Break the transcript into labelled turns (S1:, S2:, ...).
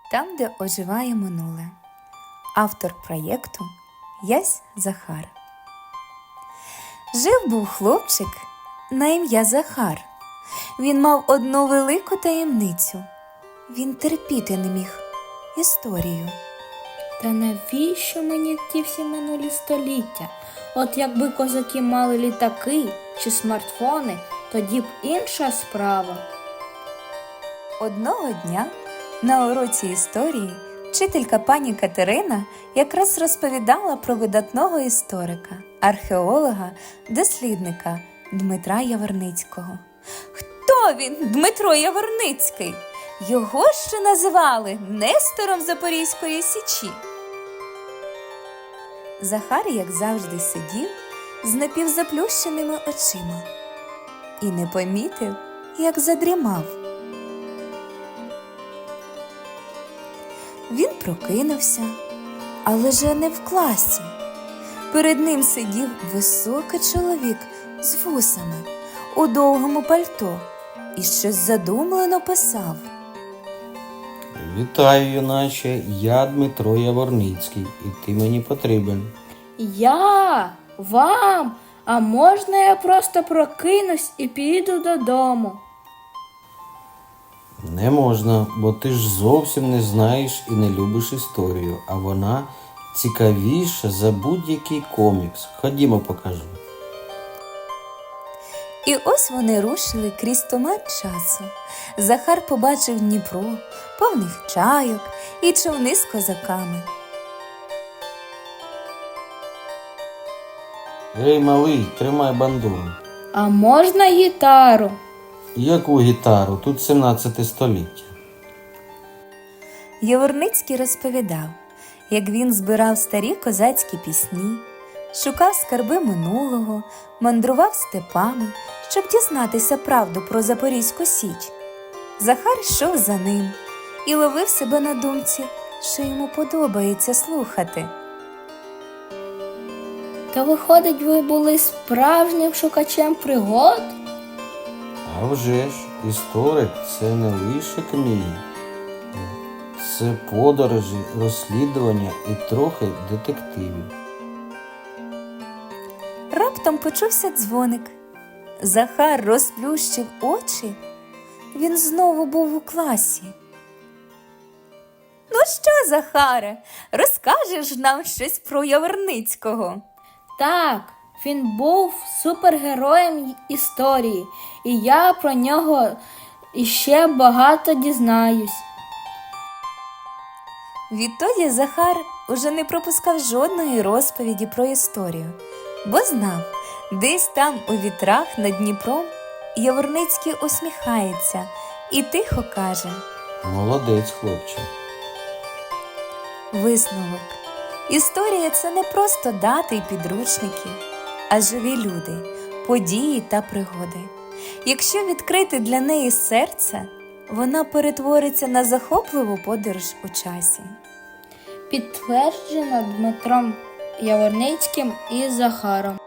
S1: Там, де оживає минуле. Автор проєкту Ясь Захар. Жив-був хлопчик на ім'я Захар. Він мав одну велику таємницю. Він терпіти не міг історію.
S2: Та навіщо мені ті всі минулі століття? От якби козаки мали літаки чи смартфони, тоді б інша справа.
S1: Одного дня на уроці історії вчителька пані Катерина якраз розповідала про видатного історика, археолога, дослідника Дмитра Яворницького. Хто він, Дмитро Яворницький? Його ще називали Нестором Запорізької Січі. Захар, як завжди, сидів з напівзаплющеними очима і не помітив, як задрімав. Він прокинувся, але же не в класі. Перед ним сидів високий чоловік з вусами у довгому пальто і щось задумлено писав.
S3: Вітаю, юначе, я Дмитро Яворницький, і ти мені потрібен.
S2: Я? Вам? А можна я просто прокинусь і піду додому?
S3: Не можна, бо ти ж зовсім не знаєш і не любиш історію, а вона цікавіша за будь-який комікс. Ходімо, покажу.
S1: І ось вони рушили крізь туман часу. Захар побачив Дніпро, повних чайок і човни з козаками.
S3: Ей, малий, тримай бандуру.
S2: А можна гітару?
S3: Яку гітару? Тут 17 століття.
S1: Яворницький розповідав, як він збирав старі козацькі пісні, шукав скарби минулого, мандрував степами, щоб дізнатися правду про Запорізьку Січ. Захар йшов за ним і ловив себе на думці, що йому подобається слухати.
S2: Та виходить, ви були справжнім шукачем пригод?
S3: А вже ж, історик – це не лише книги. Це подорожі, розслідування і трохи детективів.
S1: Раптом почувся дзвоник. Захар розплющив очі. Він знову був у класі. Ну що, Захаре, розкажеш нам щось про Яворницького?
S2: Так, він був супергероєм історії, і я про нього іще багато дізнаюсь.
S1: Відтоді Захар уже не пропускав жодної розповіді про історію, бо знав, десь там у вітрах над Дніпром Яворницький усміхається і тихо каже:
S3: Молодець, хлопче.
S1: висновок. Історія – це не просто дати й підручники, а живі люди, події та пригоди. Якщо відкрити для неї серце, вона перетвориться на захопливу подорож у часі.
S2: Підтверджено Дмитром Яворницьким і Захаром.